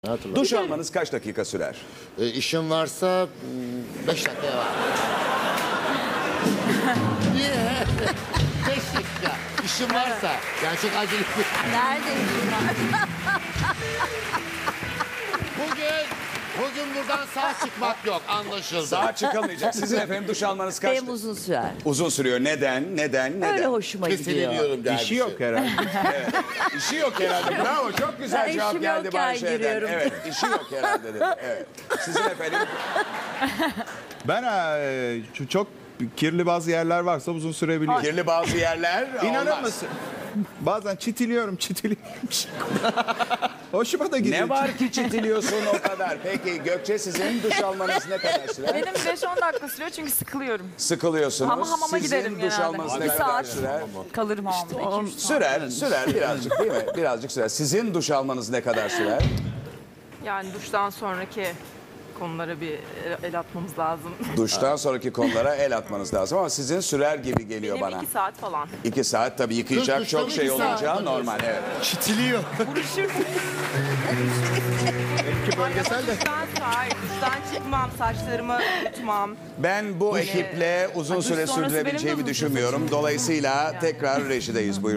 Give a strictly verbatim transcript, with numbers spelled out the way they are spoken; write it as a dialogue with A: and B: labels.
A: Hatırladım.
B: Duş almanız kaç dakika sürer?
A: E, işim varsa beş dakikaya var. Niye? Beş dakika. İşim varsa. Yani çok acele bir...
C: Neredeyim bunlar?
A: Bugün, bugün buradan sağ çıkmak yok. Anlaşıldı.
B: Sağ çıkamayacak. Sizin efendim duş almanız kaç
C: Benim
B: dakika?
C: uzun sürer.
B: Uzun sürüyor. Neden? Neden? Neden?
C: Öyle hoşuma gidiyor.
A: Kesilemiyorum dermişim.
D: İşi yok herhalde.
B: İşi yok herhalde. Bravo. Çok güzel
C: Ben
B: cevap
C: işim
B: geldi
C: yokken
B: Bayşe'den.
C: giriyorum.
B: Evet. İşi yok herhalde dedi. Evet. Sizin efendim?
D: Ben e, ç- çok kirli bazı yerler varsa uzun sürebiliyor.
B: Kirli bazı yerler
D: İnanır
B: olmaz.
D: mısın? Bazen çitiliyorum, çitiliyorum. Hoşuma da gidiyor.
B: Ne var ki çitiliyorsun o kadar? Peki Gökçe sizin duş almanız ne kadar sürer?
E: Benim beş on dakika sürüyor çünkü sıkılıyorum.
B: Sıkılıyorsunuz.
E: Ama hamama
B: Sizin
E: giderim
B: duş
E: genelde.
B: almanız ne
E: Bir
B: kadar
E: saat
B: sürer?
E: kalırım hamamda. iki üç saat.
B: Sürer, sürer birazcık değil mi? Birazcık sürer. Sizin duş almanız ne kadar sürer?
E: Yani duştan sonraki konulara bir el atmamız lazım.
B: Duştan sonraki konulara el atmanız lazım ama sizin sürer gibi geliyor
E: Benim
B: bana.
E: iki saat falan.
B: İki saat tabii yıkayacak
A: Duştan
B: çok şey
A: iki saat
B: olacağı
A: mı
B: normal. Evet.
A: Çitiliyor.
E: Buruşur.
D: Bölgesel de.
E: Duştan sonra, hayır, duştan çıkmam, saçlarımı tutmam.
B: Ben bu ekiple uzun
E: Duş
B: süre
E: sonrası benim de
B: sürdürebileceğimi
E: uzun süre
B: düşünmüyorum.
E: saçım-
B: Dolayısıyla
E: Yani.
B: tekrar rejideyiz. Buyurun.